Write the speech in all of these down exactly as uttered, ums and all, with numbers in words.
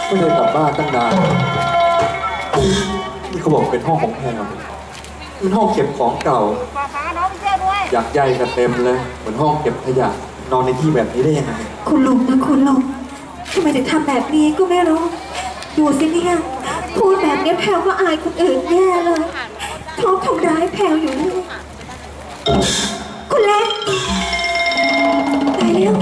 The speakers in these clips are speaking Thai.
ไม่ได้กลับบ้านตั้งนานนี่เขาบอกเป็นห้องของแพรเป็นห้องเก็บของเก่าอยากใหญ่กันเต็มเลยเหมือนห้องเก็บขยะนอนในที่แบบนี้ได้ยังไงคุณลุงนะคุณลุงทำไมถึงทำแบบนี้ก็ไม่รู้ดูสิเนี่ยพูดแบบนี้แพลวก็อายคนอื่นแย่เลยเขาทำร้ายแพลวอยู่นี่คุณเล็กตายแล้ว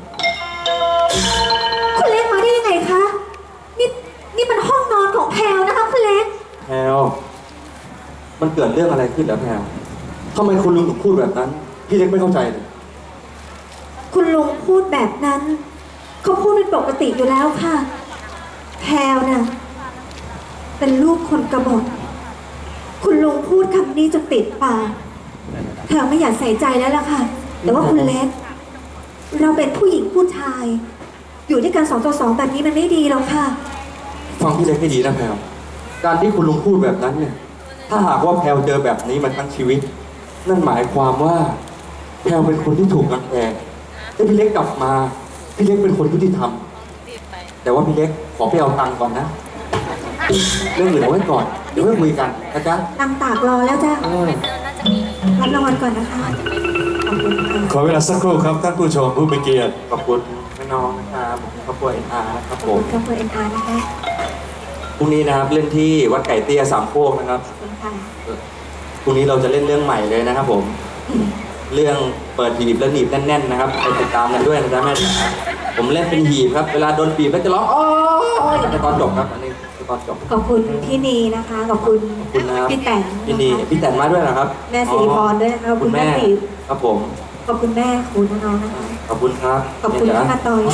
คุณเล็กมาได้ยังไงคะนี่นี่มันห้องนอนของแพลวนะคะคุณเล็กแพรมันเกิดเรื่องอะไรขึ้นแล้วแพรทำไมคุณลุงถึงพูดแบบนั้นพี่เล็กไม่เข้าใจเลยคุณลุงพูดแบบนั้นเขาพูดเป็นปกติอยู่แล้วค่ะแพลวน่ะเป็นลูกคนกบฏคุณลุงพูดคำนี้จะติดปากแพลวไม่อยากใส่ใจแล้วล่ะค่ะแต่ว่าคุณเล็กเราเป็นผู้หญิงผู้ชายอยู่ด้วยกันสองต่อสองแบบนี้มันไม่ดีหรอกค่ะฟังพี่เล็กให้ดีนะแพลวการที่คุณลุงพูดแบบนั้นเนี่ยถ้าหากว่าแพลวเจอแบบนี้มาทั้งชีวิตนั่นหมายความว่าแพลวเป็นคนที่ถูกรังแกถ้าพี่เล็กกลับมาพี่เล็กเป็นคนยุติธรรมแต่ว่าพี่เล็กขอไปเอาตังค์ก่อนนะเรื่องอื่นเอาไว้ก่อนเดี๋ยวค่อยคุยกันนะจ๊ะตังตากรอแล้วจ้ะรับรางวัลก่อนนะคะขอเวลาสักครู่ครับท่านผู้ชมผู้มีเกียรติขอบคุณแม่น้องนะครับครอบครัวเอ็นอาร์นะครับผมครอบครัวเอ็นอาร์นะคะพรุ่งนี้นะครับเล่นที่วัดไก่เตี้ยสามโคกนะครับพรุ่งนี้เราจะเล่นเรื่องใหม่เลยนะครับผมเรื่องเปิดหีบแล้วหนีบแน่นๆนะครับไปติดตามกันด้วยนะจ๊ะแม่จ๋าผมเล่นเป็นหีบครับเวลาโดนบีบแล้วจะร้องอ๋อในตอนจบครับอันนี้ตอนจบขอบคุณพี่นีนะคะขอบคุณพี่แตนพี่นีพี่แตนมาด้วยนะครับแม่สิริพรด้วยขอบคุณแม่ตีครับผมขอบคุณแม่คุณน้องนะคะขอบคุณครับขอบคุณพี่มาตอย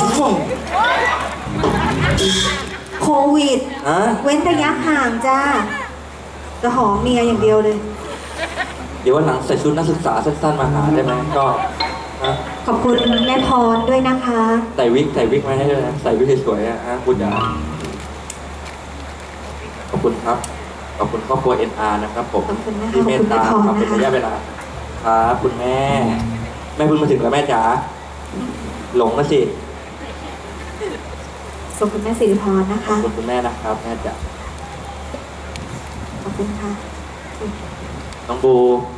โควิดเว้นระยะห่างจ้าจะหอมเมียอย่างเดียวเลยเดี๋ยววันหลังใส่ชุดนักศึกษาสั้นๆมาหาได้ไหมก็ขอบคุณแม่พรด้วยนะคะใส่วิกใส่วิกมาให้ด้วยนะใส่วิกสวยๆอ่ะคุณจ๋าขอบคุณครับขอบคุณครอบครัว เอ็น อาร์ นะครับผมที่เมตตามาเป็นระยะเวลาครับคุณแม่แม่เพิ่งมาถึงแล้วแม่จ๋าหลงแล้วสิขอบคุณแม่สิริพรนะคะขอบคุณคุณแม่นะครับแม่จ๋าขอบคุณค่ะน้องบู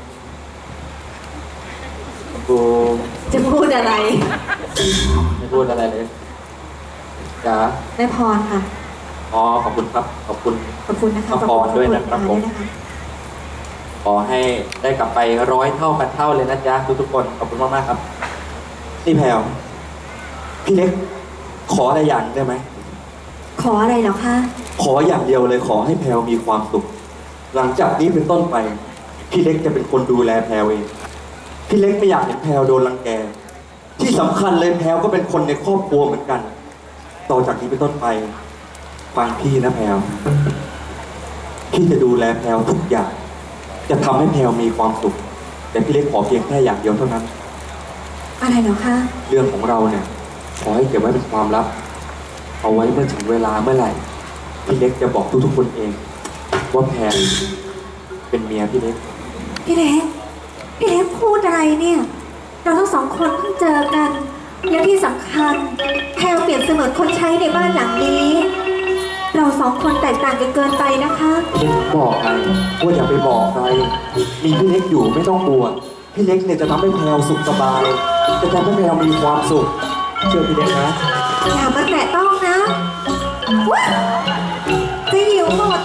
น้องบูจะพูดอะไรไม่พูดอะไรเลยจ๋าแม่พรค่ะอ๋อขอบคุณครับขอบคุณขอบคุณนะคะขอบคุณด้วยนะครับผมขอให้ได้กลับไปร้อยเท่าพันเท่าเลยนะจ๊ะทุกๆคนขอบคุณมากๆครับนี่แพลวพี่เล็กขออะไรอย่างได้ไหมขออะไรเหรอคะขออย่างเดียวเลยขอให้แพลวมีความสุขหลังจากนี้เป็นต้นไปพี่เล็กจะเป็นคนดูแลแพลวเองพี่เล็กไม่อยากเห็นแพลวโดนรังแกที่สำคัญเลยแพลวก็เป็นคนในครอบครัวเหมือนกันต่อจากนี้เป็นต้นไปฟังพี่นะแพลวพี่จะดูแลแพลวทุกอย่างจะทำให้แพลวมีความสุขแต่พี่เล็กขอเพียงแค่อย่างเดียวเท่านั้นอะไรเหรอคะเรื่องของเราเนี่ยขอให้เก็บไว้เป็นความลับเอาไว้เมื่อถึงเวลาเมื่อไหร่พี่เล็กจะบอกทุกๆคนเองว่าแพลวเป็นเมียพี่เล็กพี่เล็กพี่เล็กพูดอะไรเนี่ยเราทั้งสองคนเพิ่งเจอกันและที่สำคัญแพลวเปลี่ยนเสมือนคนใช้ในบ้านหลังนี้เราสองคนแตกต่างกันเกินไปนะคะบอกใครว่าอย่าไปบอกใครมีพี่เล็กอยู่ไม่ต้องกลัวพี่เล็กเนี่ยจะทำให้แพลวสุขสบายจะทำให้แพลวมีความสุขเชื่อพี่เล็กนะอย่ามาแตะต้องนะจะหิวหมด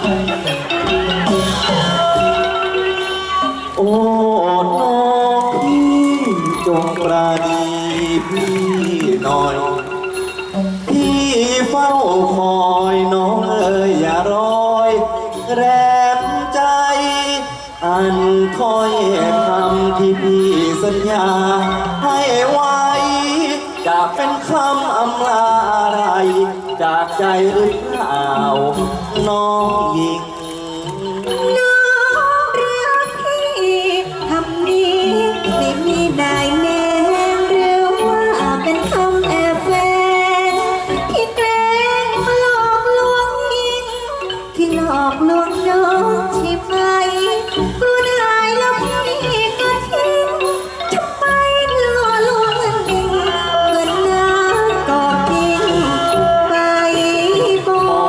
โอ้น้องพี่จงปราณีพี่หน่อยพี่เฝ้าคอยน้องเอ๋ยอย่ารอยแรมใจอันถ้อยคำที่พี่สัญญาให้ไว้จะเป็นคำอำลาอะไรจากใจหรือเปล่าน้องหญิงน้องรักพี่คำนี้ไม่มีได้แน่หรือว่าเป็นคำแอบแฝงที่แกล้งมาหลอกลวงยิ่งที่หลอกลวงน้องใช่ไหมกลัวได้แล้วพี่ก็ทิ้งทำไมหลอกลวงมันยิ่งเกินน้ำก็กินไปบ่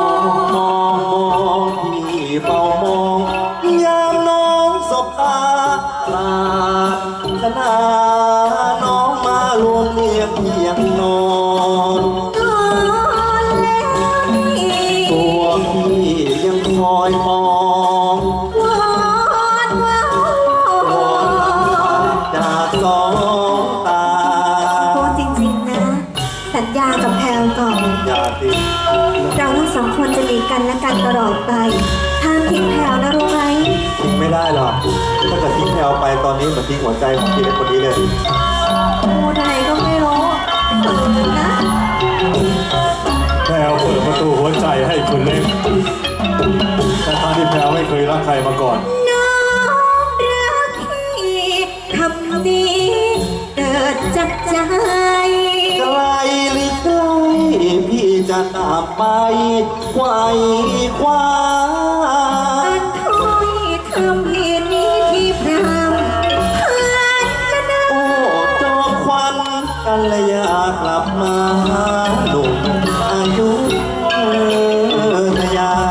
วก่อนอย่าสิเราทั้งสองคนจะมีกันและกันตลอดไปห้ามทิ้งแพลวนะรู้ไหมทิ้งไม่ได้หรอกถ้าเกิดทิ้งแพลวไปตอนนี้เหมือนทิ้งหัวใจของพี่เล็กคนนี้เลยพูดอะไรก็ไม่รู้เขินนะแพรวเปิดประตูหัวใจให้คุณเล็กแต่ทางที่แพรวไม่เคยรักใครมาก่อนน้องรักพี่คำนี้เกิดจากใจไกลหรือใกล้พี่จะตามไปไขว้คว้าอันถ้อยคำเพียงนี้ที่พรำผ่านจะได้โอ้จอมควันกันเลยอยากกลับมาหาหนุ่มอายุทยา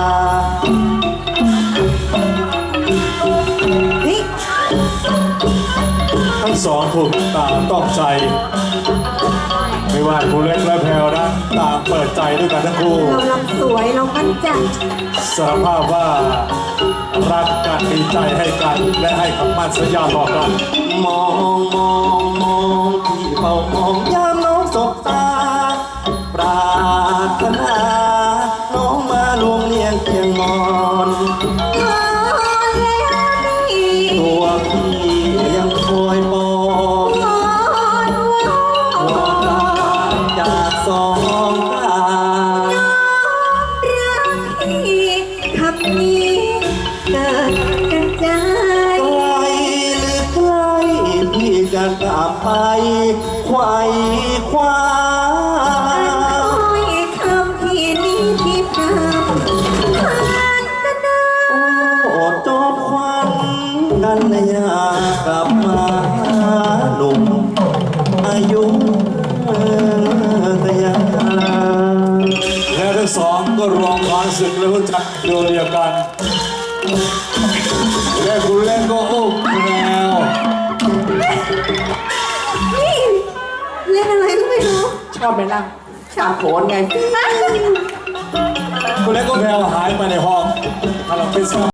เฮ้ยทั้งสองถูกตามต้องใจ ไม่ว่าคุณเล็กและแพรวนะต่างเปิดใจด้วยกันทั้งคู่เราลำสวยเรามั่นใจสารภาพว่ารักกันมีใจให้กันและให้คำมั่นสัญญาต่อกันมองมองมองพี่เฝ้ามองยามน้องสบตา ปรารถนาน้องมาลวงเลียงเคียงมอนพอแล้วนี่ตัวพี่ยังคอยมองพอแล้วจากสองตารักพี่คำนี้เกิดจากใจไกลหรือใกล้พี่จะกลับไปไขว้คว้าถ้อยคำที่นี้ที่พรำผ่านจะได้โอ้จอบควันกันนะอยากกลับมาหาหนุ่มอายุทยาและทั้งสองก็รองความศึกและรู้จักโดยเดียวกัน และคุณเล็กก็อุ้มแพรวนี่เล่นอะไรก็ไม่รู้ชอบไหมล่ะชาโขนไงคุณเล็กก็แพรวหายไปในห้องคาราเฟ่